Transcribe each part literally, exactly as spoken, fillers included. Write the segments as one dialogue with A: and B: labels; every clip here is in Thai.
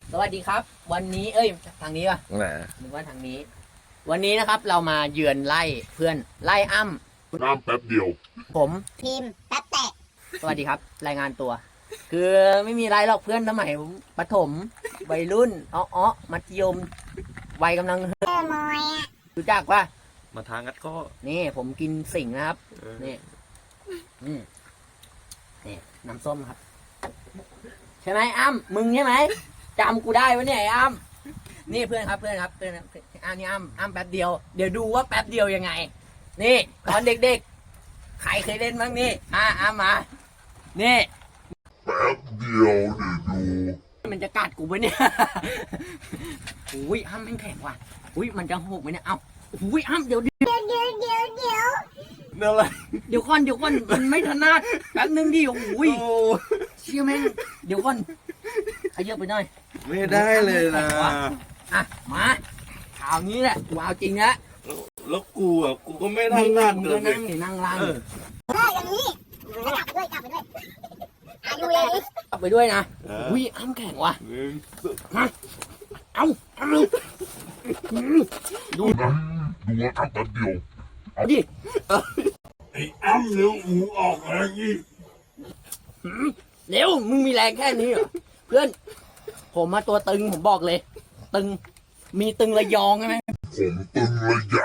A: สวัสดีครับวันนี้เอ้ยทางนี้ป่ะ
B: แหม
A: นึกว่าทางนี้ วันนี้นะครับเรามาเยือนไล่เพื่อนไล่อ้ำ
C: น้ำแป๊บเดียว
A: ผม
D: ทีมแป๊บแตก
A: สวัสดีครับรายงานตัว คือไม่มีไรหรอกเพื่อนสมัยประถมวัยรุ่นอ้ออ้อมัธยมวัยกำลัง
D: เออมอยอ่ะ
A: รู้จักป่ะ
B: มาทางงัดข้อ
A: นี่ผมกินสิงห์นะครับ
B: เออ
A: นี่อืมนี่น้ำส้มครับ ใช่ไหมอ้ำมึงใช่ไหมจำกูได้วะเนี่ยไอ้อ้ำนี่เพื่อนครับเพื่อนครับเพื่อนครับอ้ำนี่อ้ำอ้ำแป๊บเดียวเดี๋ยวดูว่าแป๊บเดียวยังไง นี่ตอนเด็กๆใครเคยเล่นบ้างนี่อ่ะอ้ำมานี่
C: แป๊บเดียวเดี๋ยวดู
A: มันจะกัดกูปะเนี่ย อุ้ยอ้ำแม่งแข็งว่ะอุ้ยมันจะหกไหมเนี่ยเอ้าอุ้ยอ้ำเดี๋ยวเดี๋ยว
D: เดี๋ยวเดี๋ยวเดี๋ยวเดี๋ยว
B: เรื่องอะไร
A: เดี๋ยวก่อนเดี๋ยวก่อนมันไม่ถนัดแป๊บนึงดิอุ้ย
B: โอ้
A: เชี่ยแม่งเดี๋ยวก่อนขยับไปหน่อย
B: ไม่ได้เลยนะ
A: อ่ะมาข่าวนี้แหละว้าวจริงนะ
B: แล้วกูอ่ะกูก็ไม่ทันนัด
A: มึง
B: เล
A: ก็
B: ย
A: นั่งหรือนั่งล่าง
B: เออ
D: เอออย่างนี้กลับไปด้วยกลับไปด้วยอ่ะดูอย่างนี้
A: เอาไปด้วยนะอุ้ยอ้ำแข็งว่ะ
B: หนึ่ง
A: เอาเอาดู
C: นั้นดูว่าน้ำแป๊บเดียว
A: ดิ
C: ไอ้อ้ำเร็วหูออกแรงอีก
A: เร็วมึงมีแรงแค่นี้เหรอเพื่อน ผมมาตัวตึงผมบอกเลย ตึงมีตึงระยองใช่ไหม
C: ผมตึงระย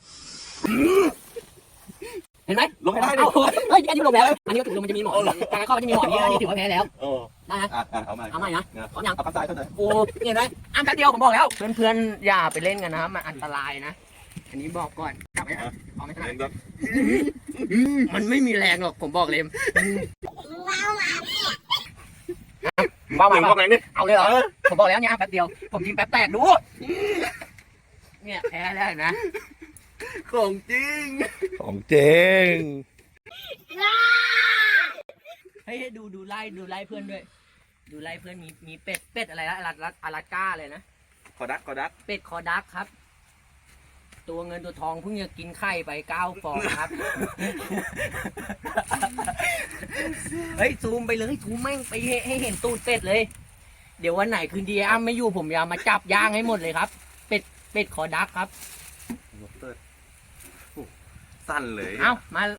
A: เห็นไหม
B: ลงให้ได้ดิ
A: เอาเฮ้ยอันนี้ลงแล้วอันนี้ก็ถือว่ามันจะมีหมอนทางข้อมันจะมีหมอนนี้อันนี้ถือว่าแพ้แล้ว
B: โอ้
A: ได้นะ
B: อ่ะอ่ะเอาใหม่
A: เอาใหม่นะพร้อมยัง
B: เอาข้างซ้ายเท่านั้น
A: โอ้เห็นไหมอ้ามแป๊บเดียวผมบอกแล้ว เพื่อนๆอย่าไปเล่นกันนะครับมันอันตรายนะ อันนี้บอกก่อนกลับไปนะเอาไม่ทัน
B: เล่นก็
A: มันไม่มีแรงหรอกผมบอกเลย
D: ว้าวมา
A: ว่า
B: ห
A: มา
B: นึ่งพวกไหนนี่
A: เอาเลยเหรอผมบอกแล้วเนี่ยอ้ามแป๊บเดียวผมยิงแป๊บแตกดูเนี่ยแพ้แล้วเห็นไหม
B: ของจริงของจริง
A: เฮ้ยดูดูไล่ดูไล่เพื่อนด้วย ดูไล่เพื่อนมีมีเป็ดเป็ดอะไรนะอาราอาราก้าเลยนะ
B: ขอดักขอดัก
A: เป็ดคอดักครับ ตัวเงินตัวทองเพิ่งจะกินไข่ไปเก้าฟองครับ เฮ้ยซูมไปเลยซูมแม่งไปให้ให้เห็นตูดเป็ดเลย เดี๋ยววันไหนคืนดีอ้ำไม่อยู่ผมจะมาจับย่างให้หมดเลยครับ เป็ดเป็ดคอดักครับ
B: สั้นเลย
A: เอ้ามา